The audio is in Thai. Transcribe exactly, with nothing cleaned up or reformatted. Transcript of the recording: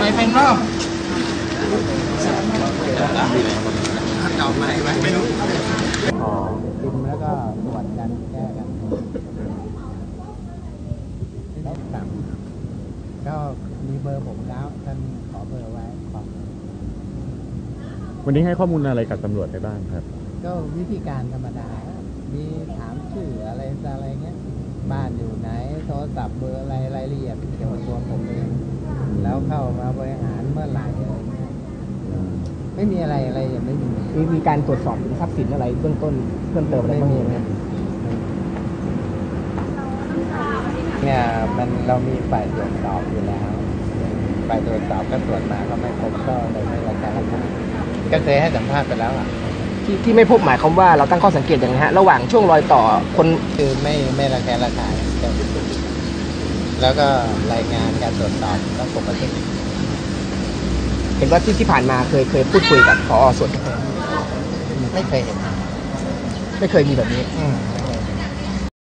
อะไรเป็นเนาะเก่าไหมไม่รู้อ๋อกินแล้วก็ตรวจกันแก้กันแล้วสั่งก็มีเบอร์ผมแล้วท่านขอเบอร์ไว้ขอวันนี้ให้ข้อมูลอะไรกับตำรวจไปบ้างครับก็วิธีการธรรมดามีถามชื่ออะไรอะไรเงี้ยบ้านอยู่ไหนโทรศัพท์เบอร์อะไรรายละเอียดเกี่ยวกับตัวผมเองแล้วเข้ามาบริหารเมื่อไหร่อะไรเงี้ยไม่มีอะไรอะไรยังไม่มีมีมีการตรวจสอบทรัพย์สินอะไรเบื้องต้นเพิ่มเติมอะไรบ้างไหมเนี่ยมันเรามีฝ่ายตรวจสอบอยู่แล้วฝ่ายตรวจสอบก็ตรวจมาก็ไม่พบก็เลยไม่ระบุก็เคยให้สัมภาษณ์ไปแล้วอ่ะที่ที่ไม่พบหมายความว่าเราตั้งข้อสังเกตอย่างไรฮะระหว่างช่วงรอยต่อคนคือไม่ไม่ระแคะระคายแล้วก็รายงานการตรวจสอบต้องปกติเห็นว่าที่ที่ผ่านมาเคยเคยพูดคุยกับผอ.ส่วนไม่เคยเห็นไม่เคยมีแบบนี้